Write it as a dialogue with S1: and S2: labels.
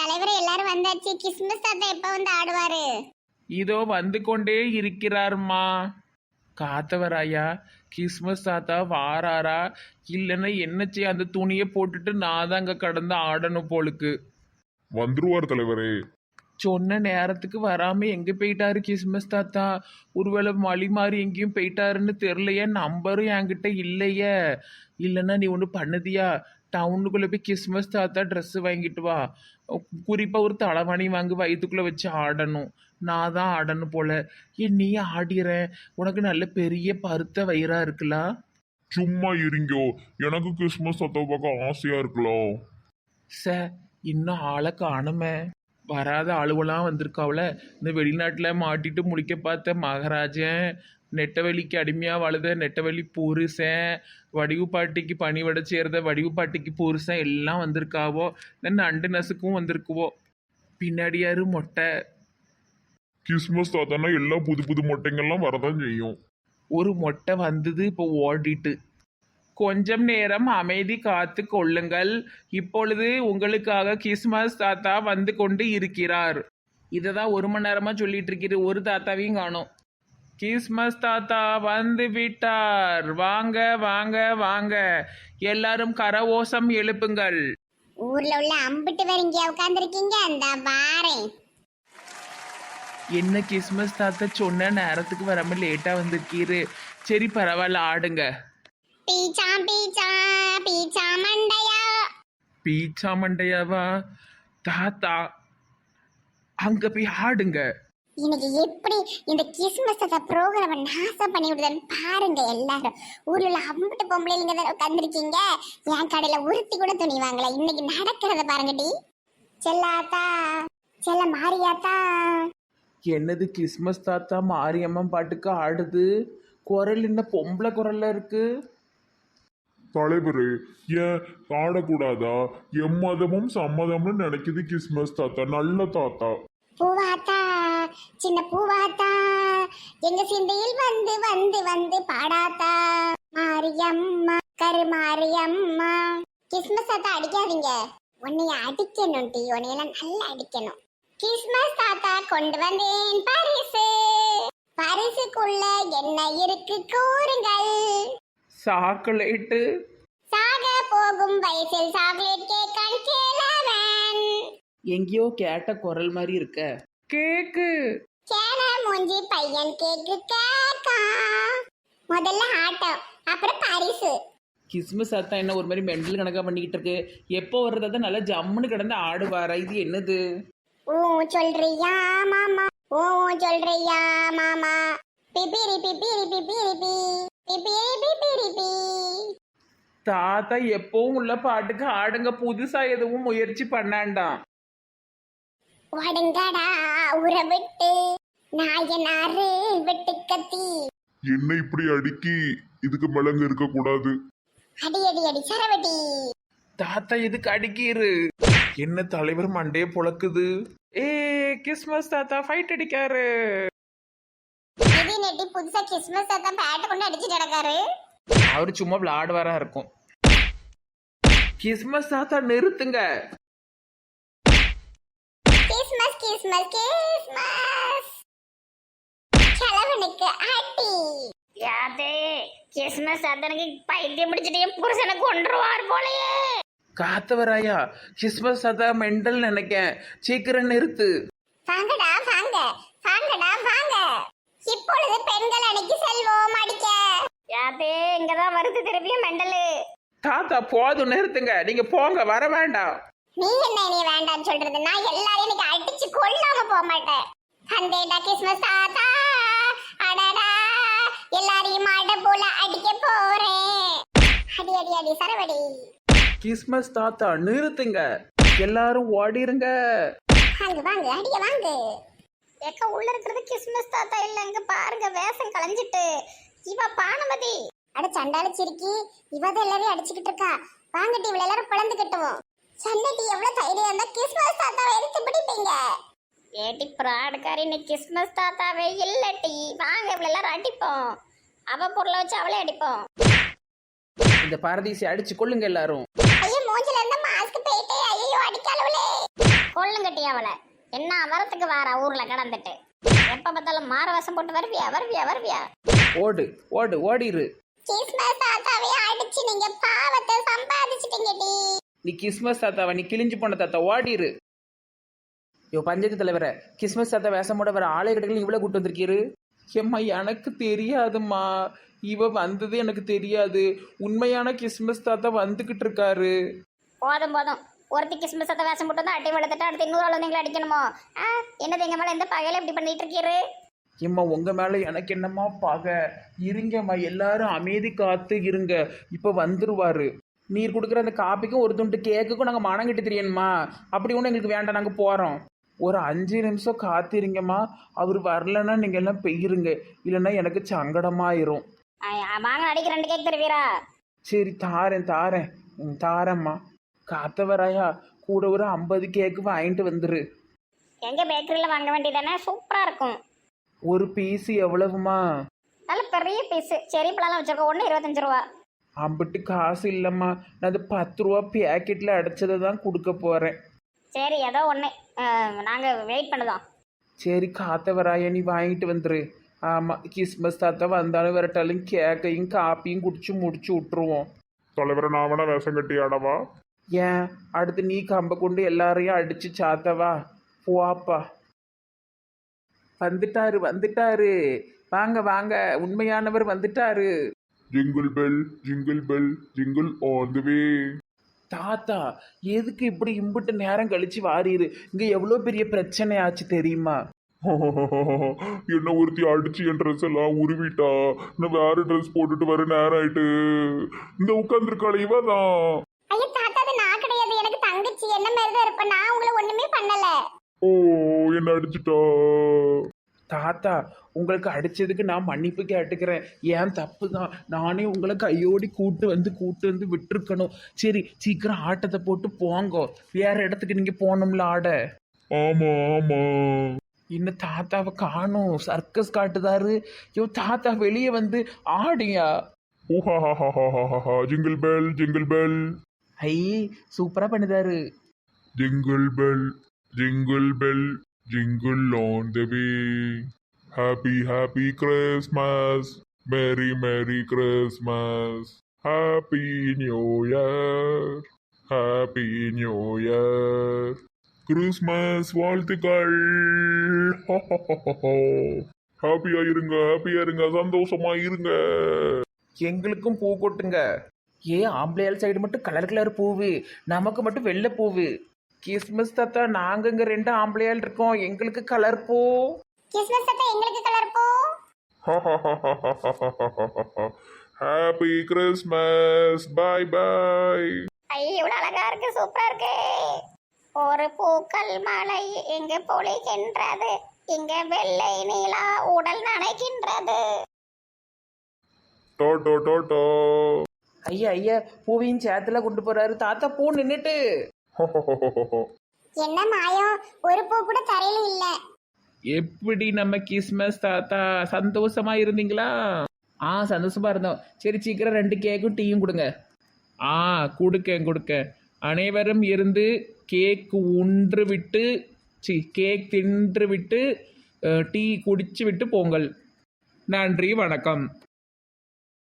S1: தலைவர் எல்லாரும் வந்தாச்சு. கிறிஸ்மஸ் தாத்தா எப்ப வந்து ஆடுவாரு?
S2: இதோ வந்து கொண்டே இருக்கிறார்மா. காத்தவராயா, கிறிஸ்மஸ் தாத்தா வாராரா இல்லைன்னா என்ன செய்ய? அந்த துணியை போட்டுட்டு நான் தான் அங்கே கடந்து ஆடணும் போலுக்கு.
S3: வந்துருவார் தலைவரே.
S2: சொன்ன நேரத்துக்கு வராம எங்க போயிட்டாரு கிறிஸ்மஸ் தாத்தா? ஒருவேளை மழி மாறி எங்கேயும் போயிட்டாருன்னு தெரியலையே. நம்பரும் என்கிட்ட இல்லையே. இல்லைன்னா நீ ஒன்று பண்ணுதியா, டவுனுக்குள்ளே போய் கிறிஸ்மஸ் தாத்தா ட்ரெஸ்ஸு வாங்கிட்டு வா. குறிப்பாக ஒரு தலைவாணி வாங்கி வயிற்றுக்குள்ளே வச்சு ஆடணும். நான் தான் ஆடணும் போல. ஏன் நீ ஆடிறேன்? உனக்கு நல்ல பெரிய பருத்த வயிறா இருக்கலாம்.
S3: சும்மா இருங்கோ, எனக்கு கிறிஸ்மஸ் தாத்தா பார்க்க ஆசையா இருக்கலாம்.
S2: இன்னும் ஆளை காணுமே. வராத ஆளுவெல்லாம் வந்திருக்காவுல. இந்த வெளிநாட்டில் மாட்டிட்டு முடிக்க பார்த்த மகாராஜன், நெட்டவெளிக்கு அடிமையாக வாழுத நெட்டவெளி புருஷன், வடிவு பாட்டிக்கு பணிவிட சேர்ந்த வடிவு பாட்டிக்கு புருஷன் எல்லாம் வந்திருக்காவோ. இந்த நண்டு நசுக்கும் வந்திருக்குவோ. பின்னாடியாரு மொட்டை.
S3: கிறிஸ்மஸ் தாத்தானா எல்லாம் புது புது மொட்டைங்கள்லாம் வரதான் செய்யும்.
S2: ஒரு மொட்டை வந்தது, இப்போ ஓடிட்டு. கொஞ்சம் நேரம் அமைதி காத்து கொள்ளுங்கள். இப்பொழுது உங்களுக்காக கிறிஸ்மஸ் தாத்தா வந்து கொண்டு இருக்கிறார். இதை தான் 1 மணி நேரமாக சொல்லிட்டு இருக்கிறது. ஒரு தாத்தாவையும் காணோம். கிறிஸ்மஸ் தாத்தா வந்து விட்டார். வாங்க வாங்க வாங்க, எல்லாரும் கரவோசம் எழுப்புங்கள்.
S1: ஊர்ல உள்ள அம்பிட்டு வேற இங்க உட்கார்ந்துருக்கீங்க, அந்த வாரேன்.
S2: என்ன கிறிஸ்மஸ் தாத்தா சொன்ன நேரத்துக்கு வராம லேட்டா வந்திருக்கீரு. சரி பரவாயில்ல, ஆடுங்க.
S1: பீச்சா பீச்சா பீச்சா மண்டையா.
S2: பீச்சா மண்டையாவா? தாத்தா அங்க போய் ஆடுங்க.
S1: இன்னைக்கு எப்படி இந்த கிறிஸ்மஸ் தாத்தா ப்ரோக்ராம நாசம் பண்ணி விடுதான்னு பாருங்க எல்லாரும். ஊர்ல உள்ள அம்பிட்டு பொம்பளைங்க தான் உட்கார்ந்துருக்கீங்க. என் கடையில உருத்தி கூட துணி வாங்கல. இன்னைக்கு நடக்கிறத பாருங்கடி. செல்லாத்தா, செல்ல மாரியாத்தா.
S2: என்னது கிறிஸ்மஸ் தாத்தா மாரியம்மன் பாட்டுக்கு ஆடுது? குரல் என்ன பொம்பளை குரல்ல இருக்கு?
S3: தலைவரே, ஏன் ஆடக்கூடாதா? எம்மதமும் சம்மதம்னு நினைக்குது கிறிஸ்மஸ் தாத்தா. நல்ல தாத்தா.
S1: பூவாத்தா, சின்ன பூவாத்தா, எங்க சிந்தையில் வந்து வந்து வந்து பாடாத்தா. மாரியம்மா, கருமாரியம்மா. கிறிஸ்மஸ் தாத்தா அடிக்காதீங்க. உன்னைய அடிக்கணும் டி, உன்னையெல்லாம் நல்லா அடிக்கணும். கிறிஸ்மஸ் தாத்தா கொண்டு வந்தேன் பரிசு. பரிசுக்குள்ள என்ன இருக்கு கூறுங்கள்.
S2: சாக்லேட்டு.
S1: சாக போகும் வயசில் சாக்லேட் கேட்கான் கேளவன்.
S2: எங்கேயோ கேட்ட குரல் மாதிரி இருக்க. கேக்கு.
S1: கேன மூஞ்சி பையன் கேக்கு கேக்கா. முதல்ல ஆட்டம், அப்புறம் பரிசு.
S2: கிறிஸ்மஸ் தாத்தா என்ன ஒரு மாதிரி மெண்டல் கணக்கா பண்ணிக்கிட்டு இருக்கு. எப்போ வர்றதா நல்லா ஜம்முன்னு கிடந்து ஆடுவாரா? இது என்னது?
S1: ஓ சொல்றியா மாமா, ஓ சொல்றியா மாமா. பிபிரி பிபிரி பிபிரி பி, பிபிரி பிபிரி பி.
S2: தாத்தா எப்பவும் உள்ள பாட்டுக்கு ஆடுங்க. புதுசா எதுவும் முயற்சி பண்ணாண்டாம்.
S1: வடுங்கடா உற விட்டு நாயனாரு வெட்டு கத்தி.
S3: என்ன இப்படி அடுக்கி இதுக்கு மிளங்கு இருக்க கூடாது.
S1: அடி அடி அடி சரவடி.
S2: தாத்தா எதுக்கு அடிக்கிரு? என்ன தலைவர் மண்டையே புழக்குது. ஏ கிறிஸ்மஸ் தாத்தா ஃபைட் அடிக்காரு.
S1: இது நெட்டி புதுசா கிறிஸ்மஸ் தாத்தா பேட்டை கொண்டு அடிச்சுட்டு நடக்காரு.
S2: அவரு சும்மா விளையாடுவாரா இருக்கும். கிறிஸ்மஸ் தாத்தா நிறுத்துங்க.
S1: Christmas Christmas Christmas. கிழவனுக்கு அடி. யாதே கிறிஸ்மஸ் தாத்தனுக்கு பைத்தியம் பிடிச்சிட்டு என் புருஷனை கொன்றுவார் போலயே.
S2: காத்தவராயா, கிறிஸ்மஸ் தாத்தா மெண்டல் நினைக்கேன். சீக்கிரம் நிறுத்து.
S1: வாங்கடா வாங்க, வாங்கடா வாங்க. இப்பொழுது பெண்கள் அணிக்கு செல்வோம் அடிக்க. யாதே இங்கதான் வருது திருப்பியும் மெண்டலு.
S2: தாத்தா போதும், நிறுத்துங்க. நீங்க போங்க, வர வேண்டாம்.
S1: நீ என்ன நீ வேண்டாம்னு சொல்றது? நான் எல்லாரையும் இன்னைக்கு அடிச்சு கொல்லாம போக மாட்டேன். வந்தேடா கிறிஸ்மஸ் தாத்தா. அடடா எல்லாரையும் அட போல அடிக்க போறேன். அடி அடி அடி சரவடி.
S2: கிறிஸ்மஸ் தாத்தா நிறுத்துங்க. எல்லாரும் ஓடிருங்க.
S1: வாங்க வாங்க அடிக்க வாங்க. எக்க உள்ள இருக்கிறது கிறிஸ்மஸ் தாத்தா இல்ல. இங்க பாருங்க வேஷம் கலைஞ்சிட்டு இவ பானுமதி. அட சண்டால சிரிக்கி இவதான் எல்லாரையும் அடிச்சுக்கிட்டு இருக்கா. வாங்கட்டி இவள எல்லாரும் பிளந்து கட்டுவோம். சன்னட்டி எவ்வளவு தைரியம் இருந்தா கிறிஸ்மஸ் தாத்தாவை எடுத்து பிடிப்பீங்க. ஏட்டி பிராடுக்காரி, நீ கிறிஸ்மஸ் தாத்தாவே இல்லட்டி. வாங்க இவள எல்லாரும் அடிப்போம். அவ பொருளை வச்சு அவளே அடிப்போம்.
S2: இந்த பாரதீசி அடிச்சு கொள்ளுங்க எல்லாரும்.
S1: ஐயோ மூஞ்சில இருந்த மாஸ்க் போயிட்டே. ஐயோ அடிக்காலவளே. கொள்ளுங்கட்டி அவளை என்ன வரத்துக்கு வாரா ஊர்ல கடந்துட்டு எப்ப பார்த்தாலும் மாற வேஷம் போட்டு வருவியா வருவியா வருவியா
S2: ஓடு ஓடு ஓடிரு.
S1: கிறிஸ்மஸ் தாத்தாவே அடிச்சு நீங்க பாவத்தை சம்பாதிச்சிட்டீங்கடி.
S2: நீ கிறிஸ்மஸ் தாத்தாவா? நீ கிழிஞ்சு போன தாத்தா, ஓடிரு. யோ பஞ்சாயத்து தலைவர, கிறிஸ்மஸ் தாத்தா வேஷமோட வர ஆலய கடைகள் இவ்வளோ கூட்டு வந்திருக்கீரு. ஏம்மா எனக்கு தெரியாதும்மா, இவ வந்தது எனக்கு தெரியாது. உண்மையான கிறிஸ்மஸ் தாத்தா வந்துகிட்டு இருக்காரு.
S1: போதும் போதும், ஒருத்தி கிறிஸ்மஸ் தாத்தா வேஷம் போட்டு வந்து அட்டை வளர்த்துட்டு அடுத்து இன்னொரு ஆள் வந்து அடிக்கணுமோ? என்னது எங்க மேல எந்த பகையில இப்படி பண்ணிட்டு இருக்கீரு?
S2: ஏம்மா உங்க மேல எனக்கு என்னம்மா பகை? இருங்கம்மா, எல்லாரும் அமைதி காத்து இருங்க, இப்ப வந்துருவாரு. நீர் கொடுக்குற அந்த காப்பிக்கும் ஒரு துண்டு கேக்குக்கும் நாங்கள் மனங்கிட்டு தெரியணுமா? அப்படி ஒன்றும் எங்களுக்கு வேண்டாம், நாங்கள் போகிறோம். ஒரு 5 நிமிஷம் காத்திருங்கம்மா. அவர் வரலன்னா நீங்கள் எல்லாம் பெய்யிருங்க, இல்லைன்னா எனக்கு சங்கடமாயிரும்.
S1: வாங்க அடிக்க 2 கேக் தருவீரா?
S2: சரி தாரேன் தாரேன் தாரேம்மா. காத்தவராயா, கூட ஒரு 50 கேக்கு வாங்கிட்டு வந்துரு.
S1: எங்க பேக்கரியில வாங்க வேண்டியதானே, சூப்பரா இருக்கும்.
S2: ஒரு பீஸ் எவ்வளவுமா?
S1: நல்ல பெரிய பீஸ் செரி பழம் வச்சிருக்கோம், ஒன்று 25 ரூபா.
S2: அம்பிட்டு காசு இல்லைம்மா, நான் அது 10 ரூபா பேக்கெட்டில் அடைச்சதை தான் கொடுக்க போகிறேன்.
S1: சரி ஏதோ ஒன்று, நாங்கள் வெயிட் பண்ணுதோம்.
S2: சரி காத்தவராயா, நீ வாங்கிட்டு வந்துரு. ஆமாம், கிறிஸ்மஸ் தாத்தா வந்தாலும் வரட்டாலும் கேக்கையும் காப்பியும் குடிச்சு முடிச்சு விட்ருவோம்.
S3: தலைவரை நான் வேணா வேஷம் கட்டி ஆடவா?
S2: ஏன் அடுத்து நீ கம்ப கொண்டு எல்லாரையும் அடிச்சு சாத்தவா? போப்பா. வந்துட்டாரு வந்துட்டாரு, வாங்க வாங்க, உண்மையானவர் வந்துட்டாரு.
S3: Jingle bell jingle all the way.
S2: தாத்தா எதுக்கு இப்படி இம்புட்டு நேரம் கழிச்சு வாரீரு? இங்க எவ்வளோ பெரிய பிரச்சனை ஆச்சு தெரியுமா?
S3: என்ன ஒருத்தி அடிச்சு என் ட்ரெஸ் எல்லாம் உருவிட்டா. நான் வேற ட்ரெஸ் போட்டுட்டு வர நேரம் ஆயிட்டு. இந்த உட்காந்துருக்காள இவ தான்.
S1: ஐயோ தாத்தா, அது நான் கிடையாது, எனக்கு தங்கச்சி. என்ன மாதிரி தான் இருப்பேன், நான் உங்களை ஒண்ணுமே பண்ணல.
S3: ஓ, என்ன அடிச்சுட்டா?
S2: தாத்தா உங்களுக்கு அடிச்சதுக்கு நான் மன்னிப்பு கேட்டுக்கிறேன், ஏன் தப்பு தான். நானே உங்களை கையோடி கூட்டு வந்து விட்டுருக்கணும். சரி சீக்கிரம் ஆட்டத்தை போட்டு போங்க, வேற இடத்துக்கு நீங்க போகணும்ல ஆட.
S3: ஆமா ஆமா.
S2: இன்னும் தாத்தாவை காணும், சர்க்கஸ் காட்டுதாரு. ஐயோ தாத்தா வெளியே வந்து ஆடியா.
S3: ஓஹாஹாஹாஹாஹா. ஜிங்கிள் பெல்
S2: ஐ சூப்பரா பண்ணுதாரு.
S3: Jingle bell jingle all the way. Happy Christmas, merry Christmas, happy new year, Christmas வாழ்த்துக்கள். ஹாப்பியா இருங்க, சந்தோஷமா இருங்க.
S2: எங்களுக்கும் பூ கொட்டுங்க. ஆம்பளையால் சைடு மட்டும் கலர் பூவு, நமக்கு மட்டும் வெள்ளை பூவு. கிறிஸ்மஸ் தாத்தா நாங்க இங்க 2 ஆம்பளையால் இருக்கோம், எங்களுக்கு கலர் பூ.
S1: கிறிஸ்மஸ் தாத்தா எங்களுக்கு கலர் போ.
S3: Happy Christmas, bye.
S1: ஐயோ இவ்வளவு அழகா இருக்கு, சூப்பரா இருக்கு. ஒரு பூக்கள் மலை எங்க பொழிகின்றது, இங்க வெள்ளை நீலா உடல் நனைக்கின்றது.
S3: டோ.
S2: ஐயா பூவையும் சேத்துல கொண்டு போறாரு தாத்தா. பூ நின்னுட்டு.
S1: என்ன மாயம், ஒரு பூ கூட தரையில இல்ல.
S2: எப்படி நம்ம கிறிஸ்மஸ் தாத்தா சந்தோஷமா இருந்தீங்களா? சந்தோஷமா இருந்தோம். சரி சீக்கிரம் 2 கேக்கும் டீயும் கொடுங்க. கொடுக்க அனைவரும் இருந்து கேக் உன்று விட்டு கேக் தின்று விட்டு டீ குடிச்சு விட்டு போங்கள். நன்றி, வணக்கம்.